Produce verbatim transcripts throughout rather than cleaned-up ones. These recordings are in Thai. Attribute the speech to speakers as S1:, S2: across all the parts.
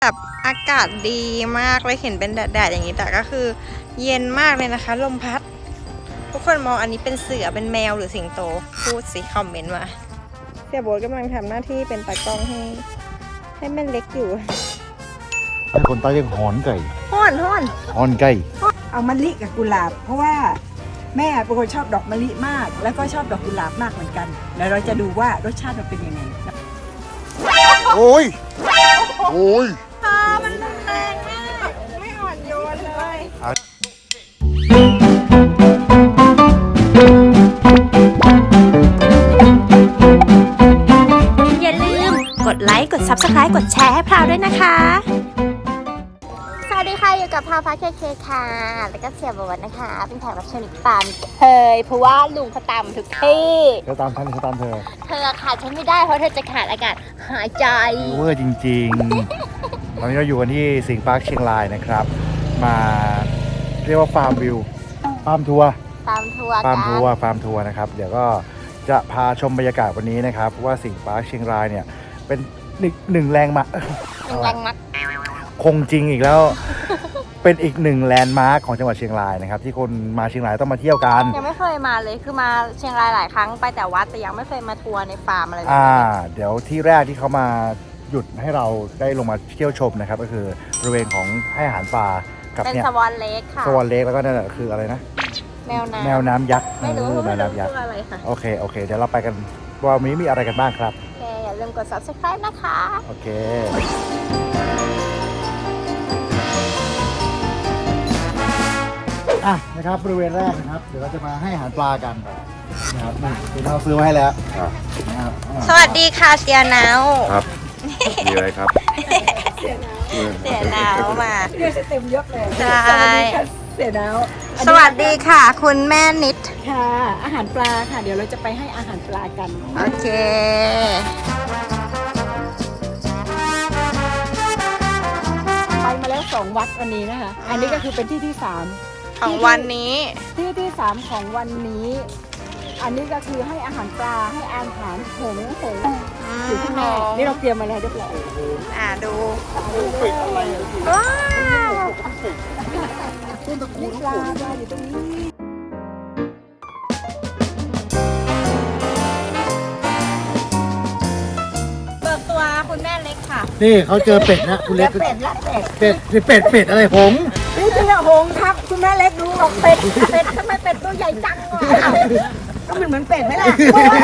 S1: แบบอากาศดีมากเลยเห็นเป็นแดดๆอย่างนี้แต่ก็คือเย็นมากเลยนะคะลมพัดทุกคนมองอันนี้เป็นเสือเป็นแมวหรือสิงโตพูดสิคอมเมนต์มาเสียโบ๊ทกำลังทำหน้าที่เป็นตากล้องให้ให้แม่เล็กอยู่
S2: ให้คนใต้เรียกหอนไก่
S1: ฮ้อนฮ้อน
S2: หอนไก่
S3: เอามะลิกับกุหลาบเพราะว่าแม่เป็นคนชอบดอกมะลิมากแล้วก็ชอบดอกกุหลาบมากเหมือนกันแล้วเราจะดูว่ารสชาติมันเป็นยังไง
S2: โอ้ยโอ้ย
S1: พามันรุนแรงมากไม่อ่อนโยนเลย
S4: อย่าลืมกดไลค์กด ซับสไครบ์ กดแชร์ให้พราวด้วยนะคะสวัสดีค่ะอยู่กับพาวฟ้าเคเคค่ะแล้วก็เสียบวชนะคะเป็นแขกรับเชิญอีกตามเคยเพราะว่าลุงเขาตามทุกที่
S2: เขาตามฉันเขาตามเธอ
S4: เธอขาดฉันไม่ได้เพราะเธอจะขาดอากาศหายใจ
S2: เวอร์จริงๆตอนนี้เราอยู่กันที่สิงห์ปาร์คเชียงรายนะครับมาเรียกว่าฟาร์มวิวฟาร์มทัวร์
S4: ฟาร์มทัวร์
S2: ฟาร์มทัวร์ฟาร์มทัวร์นะครับเดี๋ยวก็จะพาชมบรรยากาศวันนี้นะครับเพราะว่าสิงห์ปาร์คเชียงรายเนี่ยเป็นหนึ่งแรงมา
S4: หนึ่งแรงมัก
S2: คงจริงอีกแล้ว เป็นอีกหนึ่งแลนด์มาร์คของจังหวัดเชียงรายนะครับที่คนมาเชียงรายต้องมาเที่ยวกัน
S4: ยังไม่เคยมาเลยคือมาเชียงรายหลายครั้งไปแต่วัดแต่ยังไม่เคยมาทัวร์ในฟาร์มอะไรแบบ
S2: นี้เดี๋ยวที่แรกที่เขามาหยุดให้เราได้ลงมาเที่ยวชมนะครับก็คือบริเวณของให้อาหารปลากับ
S4: เนี่ยเป็นสวอนเล็กค่ะ
S2: สวอนเล็กแล้วก็นั่นแหละคืออะไรนะ
S4: แมวน้ำ
S2: แมวน้ำยักษ์
S4: ไม่รู้แมวน้ำยักษ์อะไรค่ะ
S2: โอเคโอเคเดี๋ยวเราไปกันว่าวันนี้มีอะไรกันบ้างครับ
S4: โอเคอย่าลืมกด ซับสไครบ์ นะคะ
S2: โอเคอ่ะนะครับบริเวณแรกนะครับเดี๋ยวเราจะมาให้อาหารปลากันนะครับนี่คือเราซื้อมาให้แล้ว
S1: นะครับสวัสดีค่ะเสียหนาว
S5: ครับมีอะไรครับ
S1: เสียหนาวเสียหนาวมา
S3: เรียกเต็มยศเลย
S1: ใช่
S3: เสียหนาว
S1: สวัสดีค่ะคุณแม่นิด
S3: ค่ะอาหารปลาค่ะเดี๋ยวเราจะไปให้อาหารปลากัน
S1: โอเค
S3: ไปมาแล้วสองวัดวันนี้นะคะอันนี้ก็คือเป็นที่ที่สาม
S1: ของวันนี้
S3: ที่ที่สามของวันนี้อันนี้ก็คือให้อาหารปลาให้อาหารหงส์หงส์อยู่ข้างในนี่เราเตรียมมาแล้วเรียบร้อย
S1: อ่าดู
S3: ว้าวต้นตะกูปลาปลาอยู่ตรงนี้
S1: เบิกตัวคุณแม่เล็กค่ะ
S2: นี่เขาเจอเป็ดนะคุณเล็ก
S3: เป็ดละเป็ด
S2: เป็ดเป็ดเป็ดอะไรหงส์
S3: นี่จริงอะหงส์ครับคุณแม่เล็กดูออกเป็ดเป็ดทำไมเป็ดตัวใหญ่จังอ่ะก็มันเหมือนเป็ดไหมล่ะ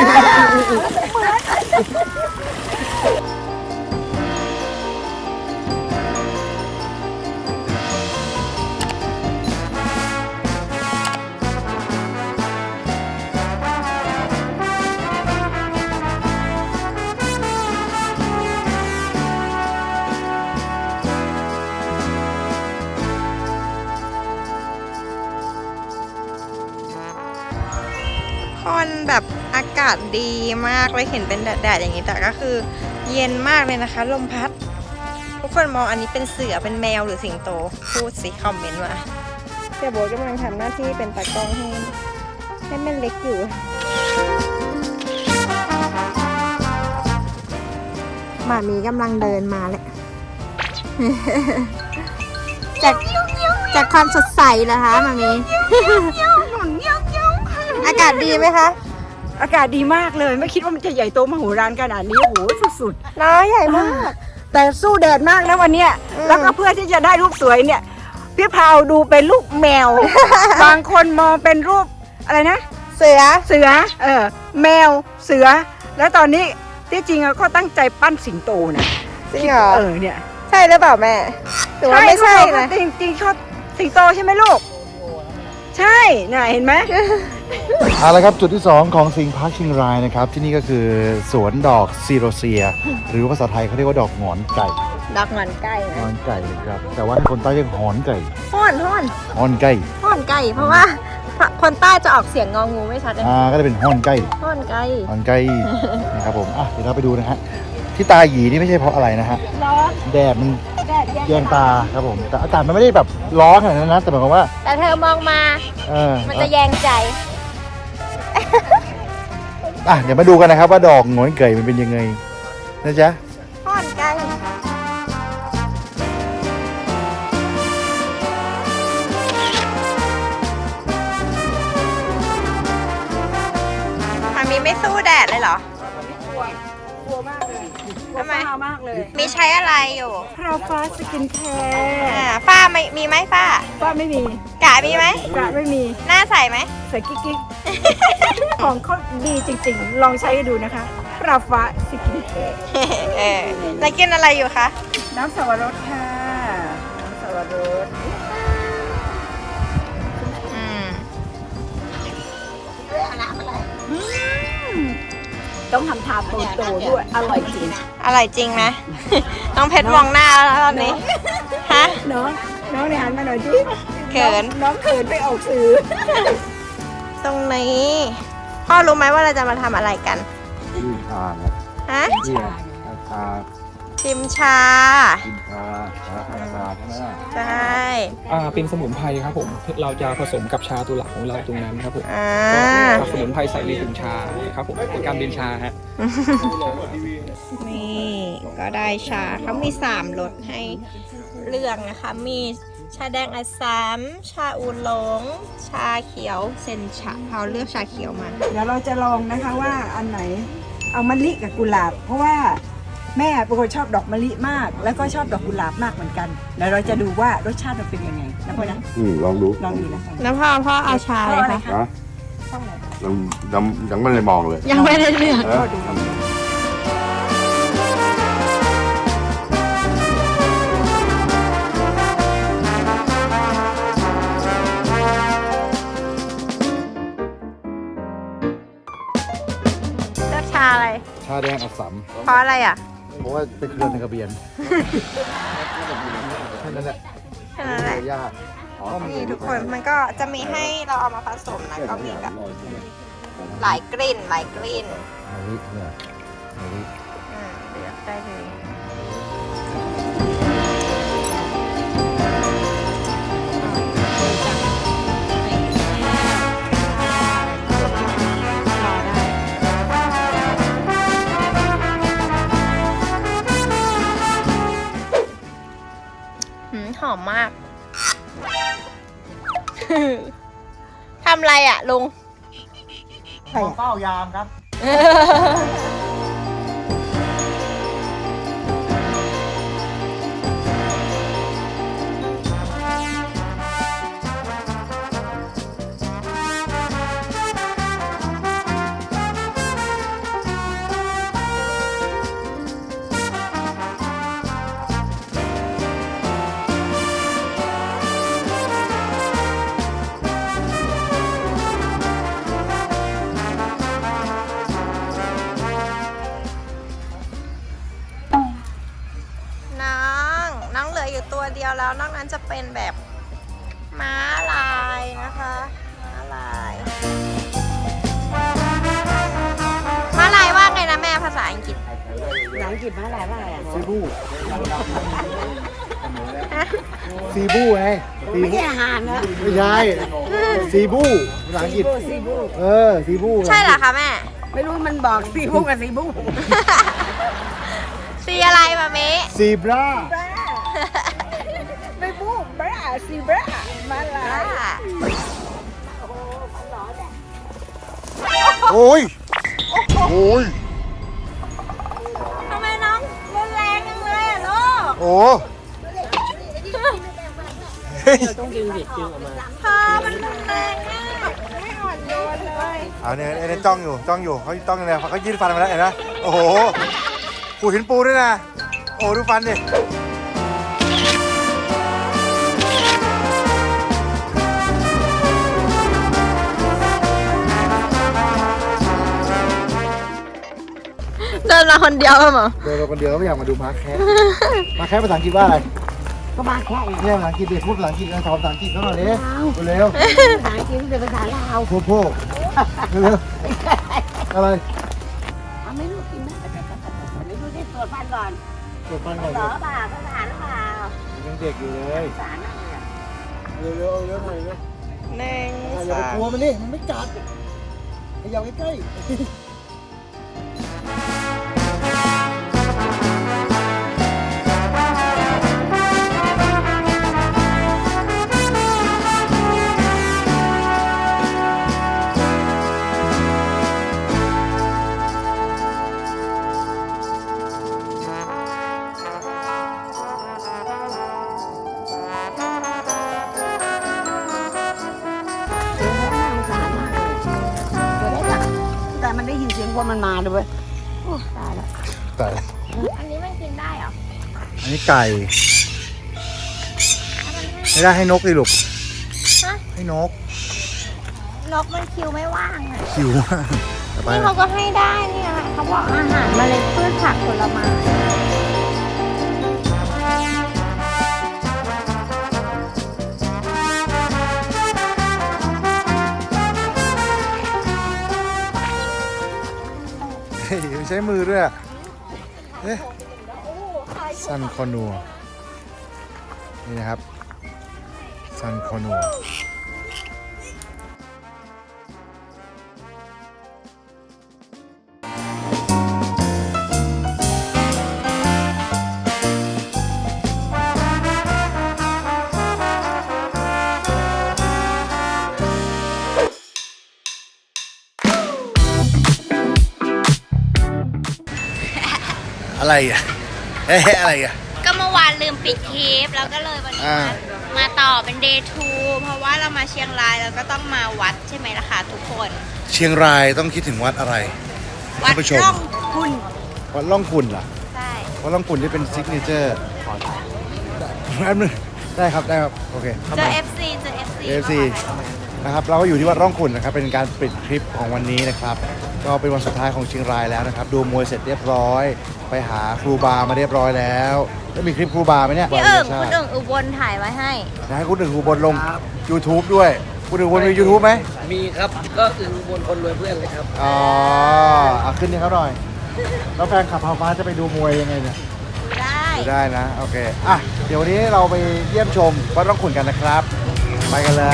S1: คนแบบอากาศดีมากเลยเห็นเป็นแดดๆอย่างนี้แต่ก็คือเย็นมากเลยนะคะลมพัดทุกคนมองอันนี้เป็นเสือเป็นแมวหรือสิงโตพูดสิคอมเมนต์มาเสียโบ๊ทกำลังทำหน้าที่เป็นตากล้องให้ให้แม่เล็กอยู่หมามีกำลังเดินมาเลยจากจากความสดใสนะคะหมามีอากาศดีไหมคะ
S3: อากาศดีมากเลยไม่คิดว่ามันจะใหญ่โตมโหฬารขนาดนี้โอ้โหสุด
S1: ๆน้าใหญ่มาก
S3: แต่สู้แดดมากนะวันนี้แล้วก็เพื่อที่จะได้รูปสวยเนี่ยพี่พาวดูเป็นรูปแมว บางคนมองเป็นรูปอะไรนะ
S1: เสือ
S3: เสือเออแมวเสือแล้วตอนนี้ที่จริงเขาตั้งใจปั้นสิงโตนะ
S1: จริงเหรอ
S3: เออเนี่ย
S1: ใช่หรือเปล่าแม่หรือว่าไม่ใช่นะ
S3: จริงจริงชอบสิงโตใช่ไหมลูกใช่น่ะเห็นไหม
S2: เอาละครับจุดที่สองของสิงห์ปาร์คเชียงรายนะครับที่นี่ก็คือสวนดอกซีโรเซียหรือภาษาไทยเขาเรียกว่าดอกหงอนไก่
S1: ดอกหงอนไก่นะ
S2: หงอนไก่ครับแต่ว่าคนใต้เรียกหอนไก่
S1: ห้อนห้อน
S2: หอนไก่
S1: ห้อนไก่เพราะว่าคนใต้จะออกเสียงงองูไม่ชัดเลย
S2: อ่าก็จะเป็นหอนไก่
S1: ห้อนไก่
S2: หอนไก่นะครับผมอ่ะเดี๋ยวเราไปดูนะฮะที่ตาหยีนี่ไม่ใช่เพราะอะไรนะฮะแดดมันแยงตาครับผมแต่อากาศมันไม่ได้แบบร้อนขนาดนั้นนะแต่หมายความว่า
S1: แต่เธอมองมา
S2: เออ
S1: มันจะแยงใจ
S2: อ่ะเดี๋ยวมาดูกันนะครับว่าดอกหงอนไก่มันเป็นยังไงนะจ๊ะ
S1: ห้อนไก่เลยเหรอ
S3: กลัวกลัวมากเลยกลัว
S1: ทำไม
S3: ฝ้ามากเลย
S1: มีใช้อะไรอยู่
S3: พราวฟ้าสกินแคร์
S1: อ่าฝ้าไม่มีไหมฝ้า
S3: ฝ้าไม่มี
S1: กะมีไหม
S3: กระไม่มี
S1: หน้าใสไหม
S3: ใส่กิ๊กกิ๊ก ของเขาดีจริงๆ ลองใช้ดูนะคะพราวฟ้าสกินแคร์
S1: เออแล้วกินอะไรอยู่คะ
S3: น้ำสวรสค่ะ น้ำสวรส
S1: อืม
S3: ต้องทำทาโตโตๆด้วย อร่อยจริง
S1: อร่อยจริงไหม น้องเพชรมองหน้าแล้วตอนนี้ ฮะ
S3: น้องน้องเนี่ยหันมาหน่อยจิ
S1: เขิน
S3: น้องเขินไปออกสื่อ
S1: ตรงนี้ พ่อรู้ไหมว่าเราจะมาทำอะไรกัน
S5: ยื่นชาครับ
S1: ฮะ
S5: ยื่นชา
S1: ชิมชา
S5: กินชาชาชาใช่ไหมล่ะ
S1: ใช่
S6: อ่าเป็นสมุนไพรครับผม เราจะผสมกับชาตัวหลักของเราตรงนั้นครับผม
S1: อ่า
S6: ก็สมุนไพรใส่ในถุงชาครับผมเป็นการเบนชาฮะ
S1: นี่ก็ได้ชาเขามีสามรสให้เลือกนะคะ มีชาแดงอัสสัม ชาอูหลง ชาเขียวเซนชาเขาเลือกชาเขียวมา
S3: เดี๋ยวเราจะลองนะคะว่าอันไหนเอามะลิกับกุหลาบ เพราะว่าแม่เป็นคนชอบดอกมะลิมาก แล้วก็ชอบดอกกุหลาบมากเหมือนกันเดี๋ยวเราจะดูว่ารสชาติมันเป็นยังไงนะพ่อนะ
S5: อืมลองดู
S3: ลองดูนะคะ
S1: แล้วพ่อพ่อเอาชาอะไรคะ
S5: นะยังยังยังไม่ได้มองเลย
S1: ยังไม่ได้เลือก
S5: เออ
S1: เลือกชาอะไร
S2: ชาแดงอัสสัม
S1: เพราะอะไรอ่ะ
S2: เพราะว่าเป็นเครือในกระเบียนแค่นั้นแหละ
S1: แค่นั้นแหละ
S2: ยากอ๋อ
S1: นี่ทุกคนมันก็จะมีให้เราเอามาผสมนะก็มีแบบหลายกลิ่นหลายกลิ่น
S2: มะลิเนี่ยมะลิ
S1: อ่าเลือกได้เลยหืมหอมมาก ทำอะไรอ่ะลุง
S2: เฝ้ายามครับ
S1: น้อง น้องเหลืออยู่ตัวเดียวแล้วนอกนั้นจะเป็นแบบม้าลายนะคะ ม้าลาย ม้าลายว่าไงนะแม่ภาษาอังกฤษ
S3: หนังกิบมาหลายว่าอะไรอ่ะ
S2: ซีบู
S1: ฮะ
S2: ซีบูไงซี
S3: ไม่
S2: บู
S3: ใช่อาหารนะ
S2: ไม่ใช่ซีบูภาษาอังกฤษ
S3: ซีบู
S2: เออซีบู
S1: ใช่เหรอคะแม่
S3: ไม่รู้มันบอกซีบูกับซีบู
S1: สีอะไรมาเม
S2: ซีบรา
S3: บ้าไม่บูบ้าซีบ้ามาลาย
S2: โอ้ยโอ้ย
S1: ทำไมน้องรุนแรงจังเลยอ่ะลูก
S2: โอ้เฮ้ย
S1: พอมันรุนแรงมากไม่อ่อนโยนเลย
S2: เอาเนี่ยไอ้เนี่ยจ้องอยู่จ้องอยู่เขาจ้องอยู่เลยเขายืดฟันมาแล้วเห็นไหมโอ้โหปูหินปูด้วยนะโอ้ดูฟันดิ
S1: เดินมาคนเดียวเหรอ
S2: เดินมาคนเดียวก็ไม่อยากมาดูมาร์คแคสมาร์คแคสภาษาอังกฤษว่าอะไร
S3: ก็มาแค่ไง
S2: เนี่ยภาษาอังกฤษเดี๋ยวพูดภาษาอังกฤษนะสอนภาษาอังกฤษเขาหน่อยดิเร็ว
S3: ภาษาอังกฤษเป็นภาษาลาว
S2: โพโพเร็วอะไร
S3: เอาไม่รู้กินไหมไม่รู้ได้ตรวจฟันก่อน
S2: ตรวจฟันก่อน
S3: เหรอเปล่าภาษาหรือเปล่า
S2: ยังเด็กอยู่เลย
S3: ภาษาหน้าเลยอ่ะ
S2: เร็วเร็วเร็วหน่อยเร็ว
S1: หนึ่ง
S2: อย่าไป
S1: สาก
S2: ลัว
S1: ม
S2: มันดิมันไม่กัดขยับใกล้
S3: ว่ามันมาเลยเว้ยโอ้ตายแล้ว
S2: แต่
S4: อันนี้มันกินได้เหรอ
S2: อันนี้ไก่ไม่ได้ให้นกดิลูก
S4: ฮะ
S2: ให้นก
S4: นกมันคิวไม่ว่างอ่ะ
S2: คิวมากต่อไป
S4: นี่เขาก็ให้ได้นี่นะคะเขาบอกอาหารเมล็ดพืชผักผลไม้
S2: เฮ้ยใช้มือด้วยอะเอ๊ะซันคอนัวนี่นะครับซันคอนัวอะไรอ่ะเอ๊ะอะไรอ่ะ
S4: ก็เมื่อวานลืมปิดคลิปแล้วก็เลยวันนี้
S2: อ่า
S4: มามาต่อเป็น เดย์ ทู เพราะว่าเรามาเชียงรายแล้วก็ต้องมาวัดใช่ไหมล่ะคะทุกคน
S2: เชียงรายต้องคิดถึงวัดอะไร
S4: วัด
S2: ท่านผู้ชม
S4: ร่องคุณ
S2: วัดล่องขุ่นล่ะ
S4: ใช่
S2: วัดล่องขุ่นที่เป็นซิกเนเจอร์แป๊บนึงได้ครับได้ครับโอเคครับ
S4: เจ
S2: ผ
S4: อ
S2: ม
S4: เอฟซีเจอเอฟซี
S2: เอฟซีนะครับเราก็อยู่ที่วัดร่องขุ่นนะครับเป็นการปิดคลิปของวันนี้นะครับก็เป็นวันสุดท้ายของเชียงรายแล้วนะครับดูมวยเสร็จเรียบร้อย ไปหาครูบามาเรียบร้อยแล้วแล้วมีคลิปครูบาไหมเนี่ย
S4: พี่เอิง
S2: ใช่
S4: คุณเอิงอุบลถ่ายไว้ให้
S2: นะให้คุณหนึ่งครูบนลง YouTube ด้วยคุณหนึ่งครูบนมี YouTube ไหม
S7: มีครับ ก็อึงบนคนรวยเพื่อนเลยครับ
S2: อ๋อเอาขึ้นนี่เขาหน่อยแล้วแฟนขับพาฟ้าจะไปดูมวยยังไงเนี่ย
S4: ได้
S2: ดูได้นะโอเคอ่ะเดี๋ยววันนี้เราไปเยี่ยมชมวัดร่องขุ่นกันนะครับไปกันเลย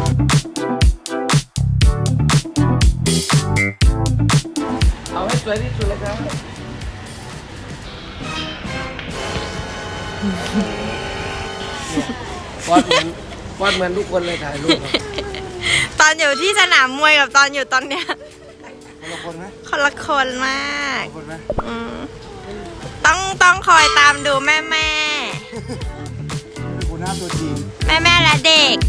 S7: เอาให้สวยที่สุดเลยครับฟอดเหมือนฟอดเหมือนทุกคนเลยถ่ายรูปครับ
S1: ตอนอยู่ที่สนามมวยกับตอนอยู่ตอนเนี้ย
S2: คนละคนไหม
S1: คนละคนมาก
S2: คนไหม
S1: อืมต้องต้องคอยตามดูแม่แม่
S2: คุณน้าตัวจริง
S1: แม่แม่และเด็ก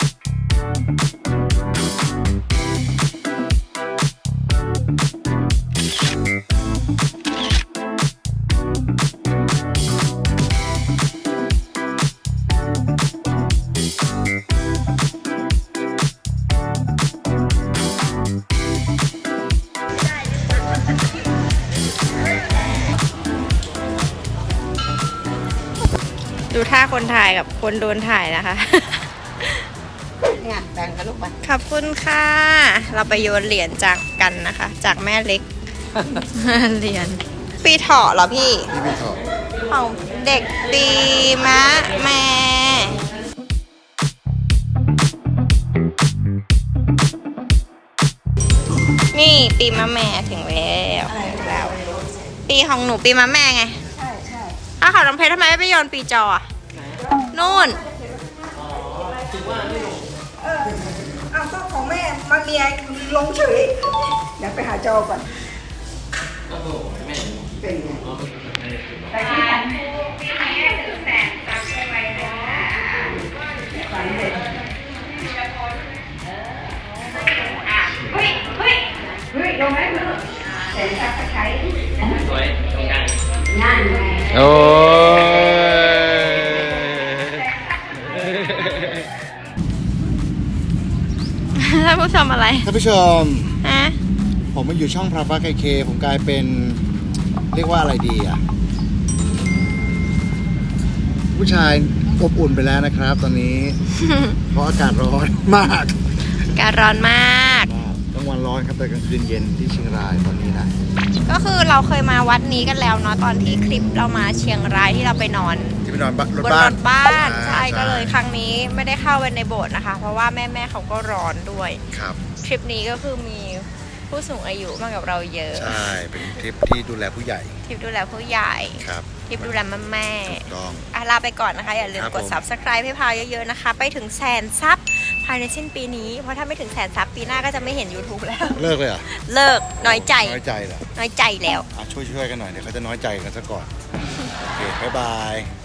S1: ดูท่าคนถ่ายกับคนโดนถ่ายนะคะ
S3: เนี่ยแบ่งกันลูกไป
S1: ขอบคุณค่ะ เราไปโยนเหรียญจากกันนะคะ จากแม่เล็ก เหรียญปีเถาะเหรอพี่
S2: พี่พี่ถอด
S1: ของเด็กปีมะแม่ นี่ปีมะแม่ถึงแล้วแล้ว ปีของหนูปีมะแม่ไง
S3: ใช่ใช่
S1: ถ้าเขาน้องเพชรทำไมไม่ไปโยนปีจออะนู่น
S3: อ้าวก็ของแม่มาเมียลงเฉยเดี๋ยวไปหาจอก่อนเป็นไงไปที่กันฝันเด็ดเฮ้ยเฮ้ยเฮ้ยลงไหมมึงเสร็จสักใช้สวยตรงกลางงานไง
S2: โอ้ย
S1: ท่านผู้ชมอะไร
S2: ท่านผู้ชม
S1: ฮะ
S2: ผมมาอยู่ช่องพราฟ้าเคเคผมกลายเป็นเรียกว่าอะไรดีอ่ะ ผู้ชายอบอุ่นไปแล้วนะครับตอนนี้ เพราะอากาศร้อนมาก
S1: การร้อนมาก
S2: กลางวันร้อนครับแต่กลางคืนเย็นที่เชียงรายตอนนี้นะ
S1: ก็คือเราเคยมาวัดนี้กันแล้วเนาะตอนที่คลิปเรามาเชียงรายที่เราไปนอน
S2: ที่ไปนอนบ้านรถ
S1: บน
S2: บ้าร น
S1: ถบ้าน
S2: อ่า
S1: ใช่ก็เลยครั้งนี้ไม่ได้เข้าไปในโบสถ์นะคะ เพราะว่าแม่แม่ๆเขาก็ร้อนด้วย
S2: ครับ
S1: ทริปนี้ก็คือมีผู้สูงอายุมากับเราเยอะ
S2: ใช่เป็นทริปที่ดูแลผู้ใหญ่
S1: ทริปดูแลผู้ใหญ่
S2: ครับ
S1: ทริปดูแลแม่แม่
S2: ถูกต้อง
S1: ๆอ่ะลาไปก่อนนะคะ อย่าลืม
S2: ครับ
S1: กด
S2: ผม
S1: subscribe ให้พาวเยอะๆนะคะ ไปถึงแสนซับภายในสิ้นปีนี้ เพราะถ้าไม่ถึงแสนซับปีหน้าก็จะไม่เห็น YouTube แล้ว
S2: เลิกเลยเหรอ
S1: เลิกน้อยใจ
S2: น้อยใจเหรอ
S1: น้อยใจแล้ว
S2: อ่ะช่วยช่วยๆกันหน่อยเดี๋ยวเขาจะน้อยใจกันซะก่อน โอเค บ๊ายบาย